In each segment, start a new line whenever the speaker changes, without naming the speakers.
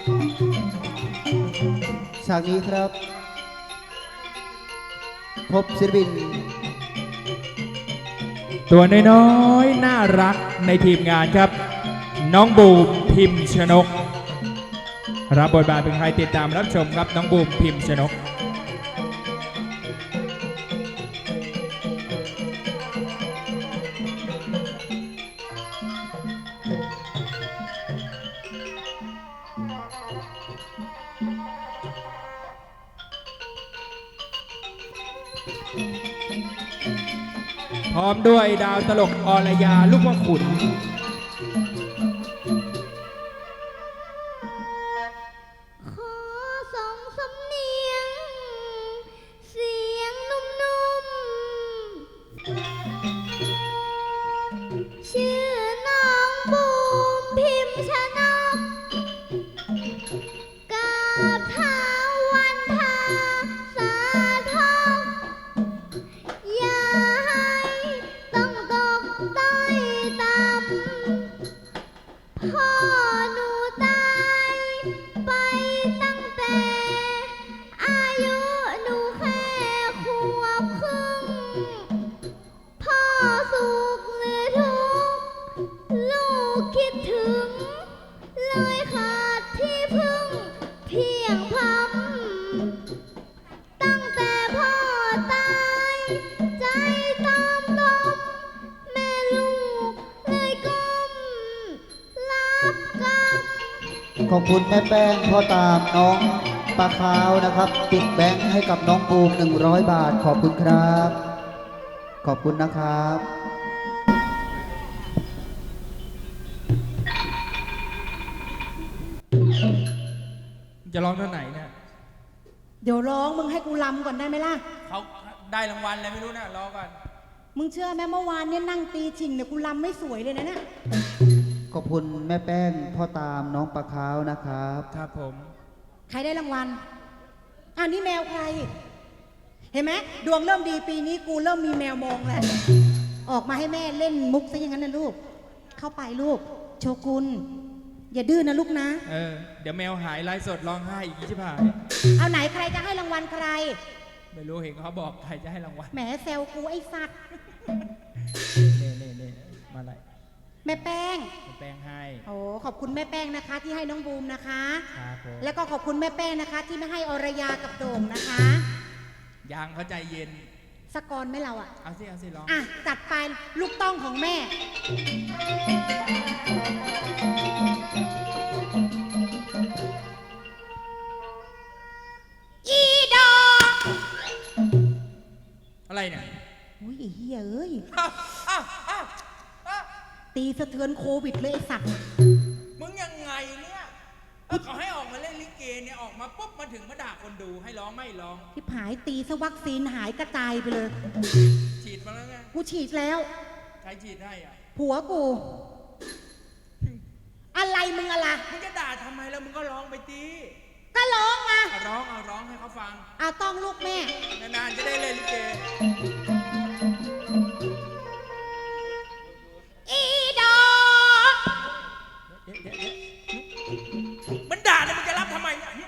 ฉากนี้ครับพบศิลปิน
ตัวน้อยๆน่ารักในทีมงานครับน้องบูมพิมพ์ชนกรับบทบาทเป็นใครติดตามรับชมครับน้องบูมพิมพ์ชนกพร้อมด้วยดาวตลกอรยาลูกพ่อขุน
ขอส่งสำเนียงเสียงนุ่มๆชื่อน้องบูมพิมพ์ชนกกราบเท้าวันทาสาทองอย่าให้ต้องตกต้อยต่ำพ่อหนูตายไปตั้งแต่อายุหนูแค่ขวบครึ่งพ่อสุขหรือทุกข์ลูกคิดถึงเลยขาดที่พึ่งเพียงพำตั้งแต่พ่อตายใจตามลมแม่ลูกเลยก้มรับกรรม
ขอบคุณแม่แป้งพ่อตามน้องปลาขาวนะครับติดแบงค์ให้กับน้องบูม100 บาทขอบคุณครับ ขอบคุณนะครับ
จะร้องเท่าไหนเนี่ย
เดี๋ยวร้องมึงให้กูลำก่อนได้ไหมล่ะ
เขาได้รางวัลอะไรไม่รู้นะรอก่อน
มึงเชื่อไหมเมื่อวานเนี่ยนั่งตีชิงเนี่ยกูลำไม่สวยเลยนะเนี่ย
ขอบคุณแม่แป้งพ่อตามน้องปลาขาวนะครับ
ครับผม
ใครได้รางวัลอ้าวนี่แมวใคร เห็นไหมดวงเริ่มดีปีนี้กูเริ่มมีแมวมองแล้วออกมาให้แม่เล่นมุกซะอย่างนั้นนะลูก เข้าไปลูก โชกุนอย่าดื้อนะลูกนะ
เดี๋ยวแมวหายไลฟ์สดร้องไห้อีกชิบหาย
เอาไหนใครจะให้รางวัลใคร
ไม่รู้เห็นเขาบอกใครจะให้รางวัล
แหมแซวกูไอ้สัตว์
เน่มาอะไร
แม่แป้ง
แป้งให้
โอ้ขอบคุณแม่แป้งนะคะ ที่ให้น้องบูมนะคะ
ครับผม
แล้วก็ขอบคุณแม่แป้งนะคะ ที่ไม่ให้อรยากับโด่งนะคะ
ยางเขาใจเย็น
สกอร์ไหม่เราอ่ะ
เอาสิร้อง
อ่ะจัดไปลูกต้องของแม่ อีดอก
อะไรเนี่ย
อุ้ยไอ้เหี้ยเอ้ย
อ้าวอ้าวอ้าว
ตีสะเทือนโควิดเลยไอ้สัตว์
มึงยังไงเนี่ยเขาให้ออกมาเล่นลิเกเนี่ยออกมาปุ๊บมาถึงมาด่าคนดูให้ร้องไม่ร้อง
ที่ผายตีซะวัคซีนหายกระจายไปเลย
ฉีดมาแล้วไง
กูฉีดแล้ว
ใครฉีดให้อ่ะ
ผัวกู อะไรมึงอะไร
มึงจะด่าทำไมแล้วมึงก็ร้องไปตี
ก็ร้องอ่ะ
เอาร้องให้เขาฟัง
เอาต้องลูกแม่
นานๆจะได้เล่นลิเก
อีดอก
มันด่าเนี่ยมึงจะรับทำไมเนี่ย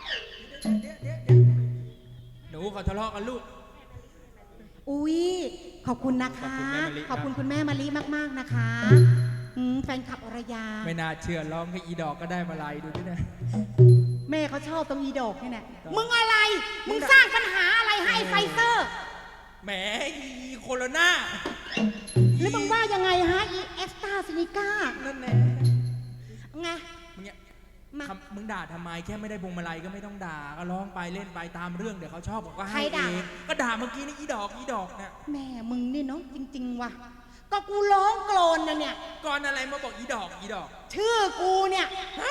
หนูเขาทะเลาะกันลูก
อุ๊ยขอบคุณนะคะ ขอบคุณคุณแม่มะลิมากๆนะคะแฟนคลับอรยา
ไม่น่าเชื่อร้องแค่อีดอกก็ได้มาลายดูด้วยนะ
แม่เขาชอบตรงอีดอกนี่แหละมึงอะไร มึงสร้างปัญหาอะไรให้ไฟเซอร์
แหมอีโคโรนา
แล้วมึงว่ายังไงฮะอีเอสตาซินิก้า
นั่นแหละ
ไง
มึงเนี่ย
มา
มึงด่าทำไมแค่ไม่ได้พวงมาลัยก็ไม่ต้องด่าก็ร้องไปเล่นไปตามเรื่องเดี๋ยวเขาชอบบอกก็ให้เองก็ด่าเมื่อกี้นี่อีดอกเนี่ย
แม่มึงนี่เนาะจริงๆว่ะก็กูร้องโกรนนะเนี่ย
ก่อนอะไรมาบอกอีดอก
ชื่อกูเนี่ย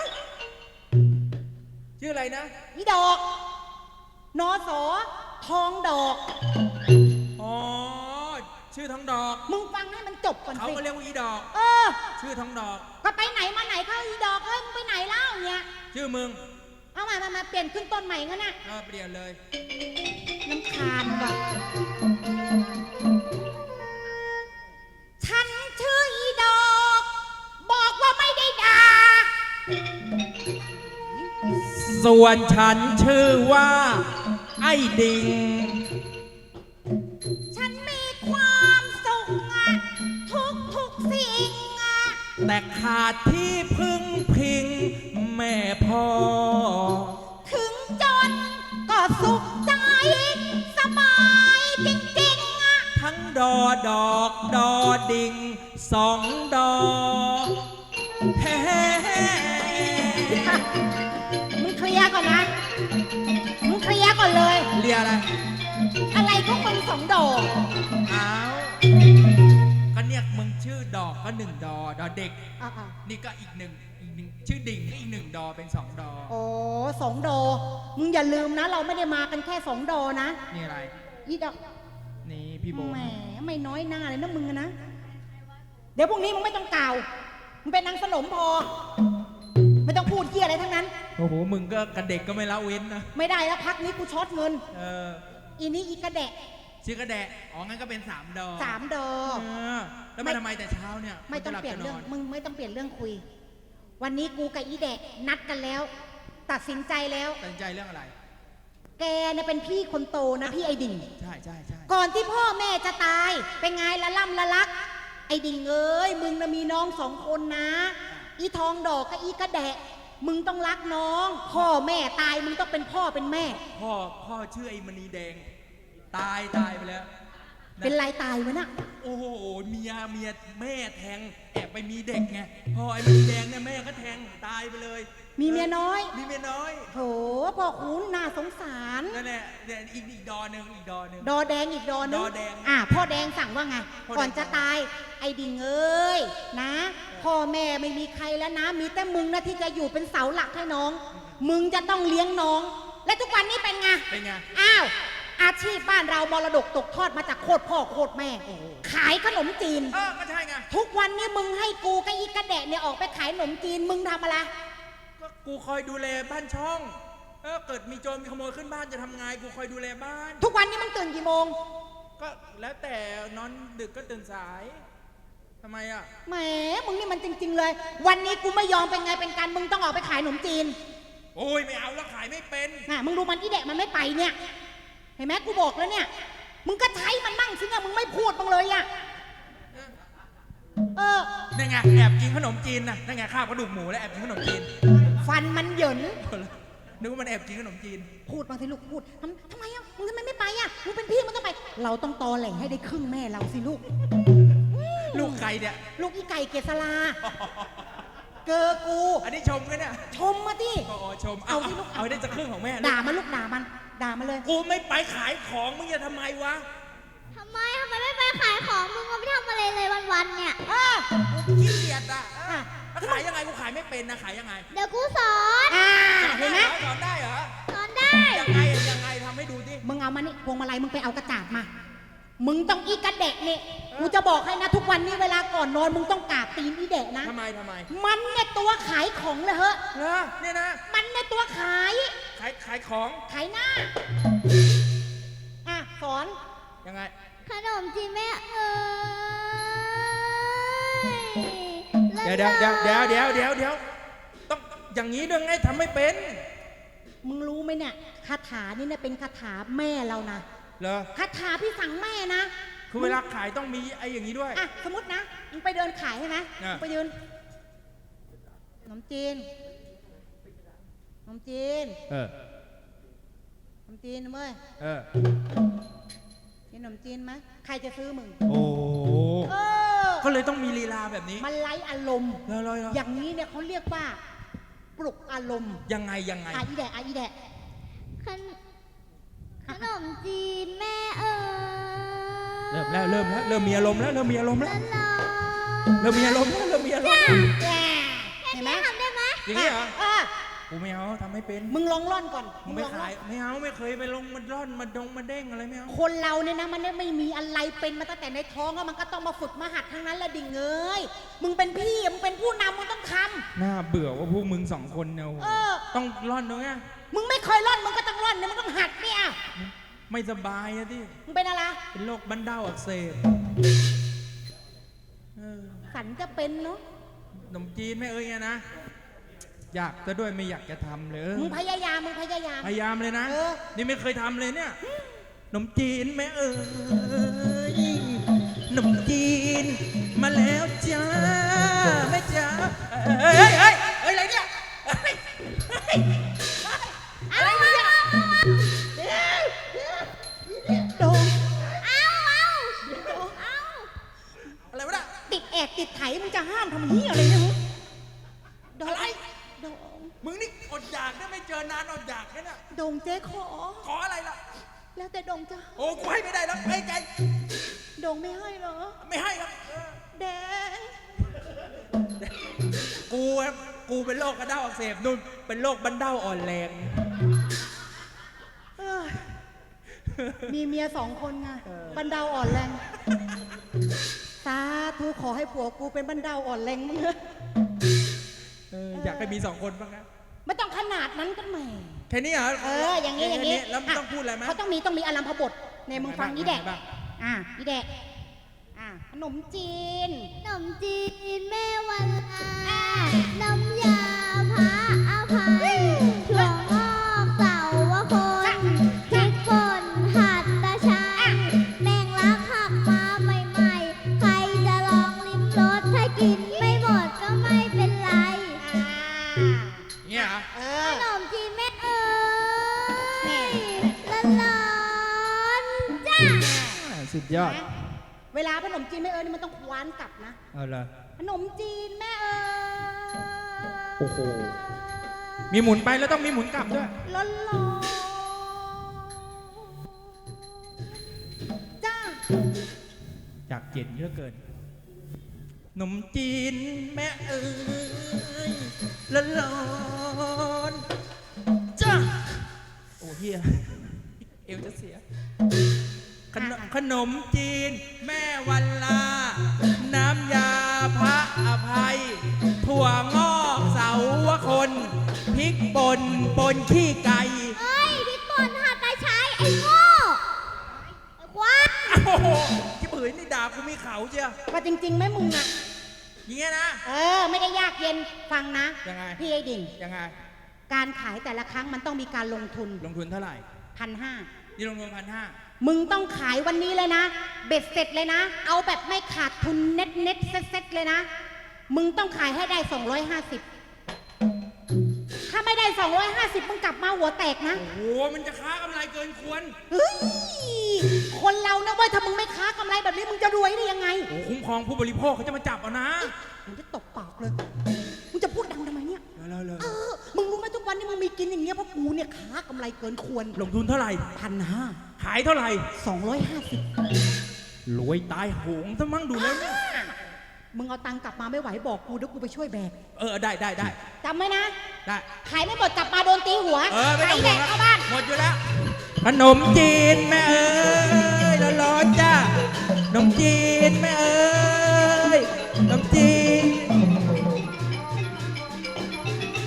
ชื่ออะไรนะ
อีดอกนอสอทองดอก
อ๋อชื่อทองดอก
มึงฟังให้มันจบก่อน
เขา
สิ
ก็เรียกว่าอีดอก
เออ
ชื่อทองดอก
ก็ไปไหนมาไหนเข้าอีดอกเฮ้ยมึงไปไหนเล่าเนี่ย
ชื่อมึง
เอามาเปลี่ยนขึ้นต้นใหม่งั้นน่ะ
เปลี่ยนเลย
น้ำคาญว่ะฉันชื่ออีดอก บอกว่าไม่ได้ด่า
ส่วนฉันชื่อว่าไอ้ดิง
ฉันมีความสุขอะทุกสิ่งอะ
แต่ขาดที่พึ่งพิงแม่พ่อ
ถึงจนก็สุขใจสบายจริงๆอะ
ทั้งดอดอกดอดิ่งสองดอเฮ้
มึงเคลียร์ก่อนนะมึงเคลียร์ก่อนเลย
เรียกอะไร
อะไรก็มึงสองดอก
อ้าวก็เนี่ยมึงชื่อดอกก็หนึ่งดอดอเด็ก
อ่ะ
นี่ก็อีกหนึ่งชื่อดิ่งก็อีกหนึ่งดอเป็นสองดอ
โอ้สองดอกมึงอย่าลืมนะ เราไม่ได้มากันแค่สองดอกนะ
นี่อะไร
อีดอก
นี่พี่โบ
แหมไม่น้อยหน้าเลยนะมึงอะนะ เดี๋ยวพรุ่งนี้มึงไม่ต้องกล่าว มึงเป็นนางสนมพอ ไม่ต้องพูดเหี้ยอะไรทั้งนั้น
โอ้โหมึงก็กับเด็กก็ไม่ละเว้นนะ
ไม่ได้แล้วพักนี้กูช็อตเงิน
เออ
อีนี้อีกระแดะ
ชื่อกระแดะอ๋องั้นก็เป็นสามดอ
สามดอ
เออแล้วมาทำไมแต่เช้าเนี่ย
ไม่ต้องเปลี่ยนเรื่อง
จะหลับจะน
มึงไม่ต้องเปลี่ยนเรื่องคุย วันนี้กูกับอีแดะนัดกันแล้ว ตัดสินใจแล้ว
ตัดสินใจเรื่องอะไร
แกเนี่ยเป็นพี่คนโตนะพี่ไอดิ่ง
ใช่ใช่ใช่
ก่อนที่พ่อแม่จะตาย เป็นไงละล่ำละลัก ไอดิ่งเอ้ยมึงนะมีน้องสองคนนะ อีทองดอกกับอีกระแดะ มึงต้องรักน้อง พ่อแม่ตายมึงต้องเป็นพ่อเป็นแม่
พ่อชื่อไอ้มณีแดง ตายไปแล้วะ
เป็นไรตายวะน่ะ
โอ้โหเมียแม่แทงแอบไปมีเด็กไงพอไอ้มณีแดงเนี่ยแม่ก็แทงตายไปเลย
มีเมียน้อย
มีเมียน้อย
โถพ่อคุณน่าสงสาร
นั่นแหละเนี่ยอีกดอหนึ่ง
ดอแดงอีกดอนึง
ดอแดง
พ่อแดงสั่งว่าไง
พ่อแดง
ก่อนจะตาย ไอ้ดิ่งเอ้ยนะ พ่อแม่ไม่มีใครแล้วนะ มีแต่มึงนะที่จะอยู่เป็นเสาหลักให้น้อง มึงจะต้องเลี้ยงน้อง และทุกวันนี้เป็นไง
เป็นไง
อ้าว อาชีพบ้านเรามรดกตกทอดมาจากโคตรพ่อโคตรแม่
โอ้โห
ขายขนมจีน
ก็ใช่ไง
ทุกวันนี้มึงให้กูกับอีกระแดะเนี่ยออกไปขายขนมจีน มึงทำอะไร
ก็กูคอยดูแลบ้านช่องเกิดมีโจรมีขโมยขึ้นบ้านจะทำไงกูคอยดูแลบ้าน
ทุกวันนี้มึงตื่นกี่โมง
ก็แล้วแต่นอนดึกก็ตื่นสายทำไมอ่ะ
แหม มึงนี่มันจริง ๆ เลย วันนี้กูไม่ยอมเป็นไงเป็นการมึงต้องออกไปขายขนมจีน
โอ้ยไม่เอาแล้วขายไม่เป็น
น่ะมึงดูมันอีแดะมันไม่ไปเนี่ย เห็นไหมกูบอกแล้วเนี่ย มึงก็ใช้มันมั่งสิเนี่ยมึงไม่พูดบ้างเลยอ่ะ เออ
นั่นไงแอบกินขนมจีนนะนั่นไงข้าวกระดูกหมูแล้วแอบกินขนมจีน
ฟันมันเหยิน
นึกว่ามันแอบกินขนมจีน
พูดบางทีลูกพูดทำไมอ่ะ มึงทำไมไม่ไปอ่ะ มึงเป็นพี่มึงต้องไป เราต้องตอแหล่ให้ได้ครึ่งแม่เราสิลูก
ลูกใครเนี่ย
ลูกอีไก่เกษราเกอกู
อันนี้ชมกันเนี่ย
ชมมาดิ
อ๋อชม
เอาสิลูก
เอาให้ได้จะครึ่งของแม่
ด่ามันลูกด่ามัน ด่ามันเลย
กูไม่ไปขายของมึงจะทำไมวะ
ทำไมไม่ไปขายของมึงก็ไม่ทำอะไรเลยวันๆเนี่ย
กูขี้เกียจอ่ะ
อ่ะ
แล้วขายยังไงกูขายไม่เป็นนะขายยังไง
เดี๋ยวกูสอน
เห็นไหม
สอนได้เหรอ
สอนได้
ยังไงยังไงทำให้ดูดิ
มึงเอามานี่พวงมาลัยมึงไปเอากระจาดมา มึงต้องอีกระเดะเนี่ยกูจะบอกให้นะทุกวันนี้เวลาก่อนนอนมึงต้องกราบตีนอีเดะนะ
ทำไม
มันเนี่ยตัวขายของเลยเหอะ
เหรอเนี่ยนะ
มันเนี่ยตัวขาย
ขายของ
ขายหน้า สอน
ยังไง
ขนมจีนแม่เอ้ย
เดี๋ยวต้องอย่างนี้ด้วยไงทำไม่เป็น
มึงรู้ไหมเนี่ยคาถานี่เนี่ยเป็นคาถาแม่เรานะ
เหรอ
คาถาพี่สั่งแม่นะ
คือเวลาขายต้องมีไอ้อย่างนี้ด้วย
สมมตินะ มึงไปเดินขายใช่ไหม
อ่ะ
มึงไปยืนขนมจีนขนมจีน
เออ
ขนมจีนนะเว้ย
เออ
กินขนมจีนไหมใครจะซื้อมึง
โอ้
เออ
ก็เลยต้องมีลีลาแบบนี้
มันไร้อารมณ์
เลย
อย่างนี้เนี่ยเขาเรียกว่า ปลุกอารมณ์
ยังไง
อีแดะอีแดะ
ขนมจีนแม่เอ้ย
เริ่มมีอารมณ์แล้ว
ละลอ
เริ่มมีอารมณ์แล้ว
เห็นไหม
ทำได้ไหม
อย่างนี้เหรอ
เออ
กูไม่เอาทำไม่เป็น
มึงลองร่อนก่อน
มึงไม่
ลองร่
ขายไม่เอาไม่เคยไปลงมาร่อนมาเด้งอะไรไม่เอา
คนเราเนี่ยนะมันไม่มีอะไรเป็นมาตั้งแต่ในท้องแล้วมันก็ต้องมาฝึกมาหัดทั้งนั้นแหละดิ่งเอ้ยมึงเป็นพี่มึงเป็นผู้นำมึงต้องท
น่าเบื่อว่าพวกมึงสองคนเนี่ย
ำเออ
ต้องร่อนด้วยไง
มึงไม่เคยร่อนมึงก็ต้องร่อนเนี่ยมึงต้องหัดเนี่ย
ไม่สบายอะที่
มึงเป็นอะไร
เป็นโรคบั้นเด้าอักเสบ
สันจะเป็นเนาะ
ขนมจีนไม่เอ้ยไงนะอยากจะด้วยไม่อยากจะทำเลย
มึงพยายามมึงพยายาม
พยายามเลยนะ
เออ
นี่ไม่เคยทำเลยเนี่ยขนมจีนแม่เอ๋ยขนมจีนมาแล้วจ้าแม่จ้าเฮ้ยอะไรเนี่ยเฮ้ย
อะไรเนี่ยโดง
อะไรวะน่ะ
ติดแอกติดไถมึงจะห้ามทำเหี้ยอะไรเนี่ยมึงโดง
อะไร
โดง
มึงนี่อดอยากได้ไม่เจอนานอดอยากแค่น่ะ
โดงเจ๊ขอ
ขออะไรล่ะ
แล้วแต่โดงจะ
โอ้กูให้ไม่ได้แล้วไอ้ไก่
โดงไม่ให้เหรอ
ไม่ให้ครับ
แดง
กูเป็นโรคกระเด้าอักเสบนุ่นเป็นโรคบันเด้าอ่อนแรง
เอ้ยมีเมีย2 คนไงบันเดาอ่อนแรงสาธุขอให้ผัวกูเป็นบันเดาอ่อนแรงมึงเถอะ
อยากให้มี2 คนบ้างนะ
ไม่ต้องขนาดนั้นก็แหม
แค่นี้เหรอ
อย่างนี้อย่างนี้
แล้วต้องพูดอะไรไหม
เขาต้องมีอารัมพบทในมึงฟังนี่แดก
บ้าง
นี่แดกขนมจีน
ขนมจีนแม่วันลาน้ำยาพระอภัยถั่วงอกเสาวคนพริกป่นหัดตะชัยแมงลักหักมาใหม่ๆ ใครจะลองลิ้มรสถ้ากินไม่หมดก็ไม่เป็นไร
เนี่ยเหรอ
ขนมจีนแม่เอ๋ยร้อนๆจ้า
สุดยอด
เวลาขนมจีนแม่เอ๋ยนี่มันต้องคว้านกลับนะ
เอาละ
ขนมจีนแม่เอ๋ย
โอ้โห มีหมุนไปแล้วต้องมีหมุนกลับด้วย
ร้อนๆจ้า
อยากเจ็ดเยอะเกินขนมจีนแม่เอ๋ยร้อนๆจ้าโอ้เฮียเอวจะเสียขนมจีนแม่วันลา น้ำยาพระอภัย ถั่วงอกเสาวคนพริกป่นปนขี้ไก่
เอ้ยพริกป่นหัดตาชัยไอ้โง่ไอ้ควาย
โอ้โหที่ผืนนี่ด่ากูมีเขาเชียว
ว่าจริงๆไหมมึงอ่ะ
อย่างเงี้ยนะ
ไม่ได้ยากเย็นฟังนะ
ยังไง
พี่ไอ้ดิ่ง
ยังไง
การขายแต่ละครั้งมันต้องมีการลงทุน
ลงทุนเท่าไหร่
1,500
นี่ลงทุน1,500
มึงต้องขายวันนี้เลยนะ เบ็ดเสร็จเลยนะ เอาแบบไม่ขาดทุนเน็ตเซ็ตเลยนะ มึงต้องขายให้ได้250ถ้าไม่ได้250มึงกลับมาหัวแตกนะ
โอ้โห มันจะค้ากำไรเกินควร
เฮ้ยคนเรานะเว้ยถ้ามึงไม่ค้ากำไรแบบนี้มึงจะรวยได้ยังไง
โอ้โหคุ้มครองผู้บริโภคเขาจะมาจับเอานะ
มึงจะตบปากเลยมึงจะพูดดังทำไมเนี่ย
เลย
มึงรู้ไหมทุกวันนี้มึงมีกินอย่างเงี้ยเพราะกูเนี่ยค้ากำไรเกินควร
ลงทุนเท่าไหร่
1,500
ขายเท่าไหร่
250
รวยตายโหงซะมั่งดูแล้วเนี่ย
มึงเอาตังค์กลับมาไม่ไหวบอกกูเดี๋ยวกูไปช่วยแบก
ได้
จำไว้นะ
ได้
ขายไม่หมดกลับมาโดนตีหัว
ไม่ต้อง
แด
ห่วง
ก
แล้ว
เข้าบ้าน
หมดอยู่แล้ว ขนมจีนแม่เอ๋ยร้อนๆจ้าขนมจีนแม่เอ๋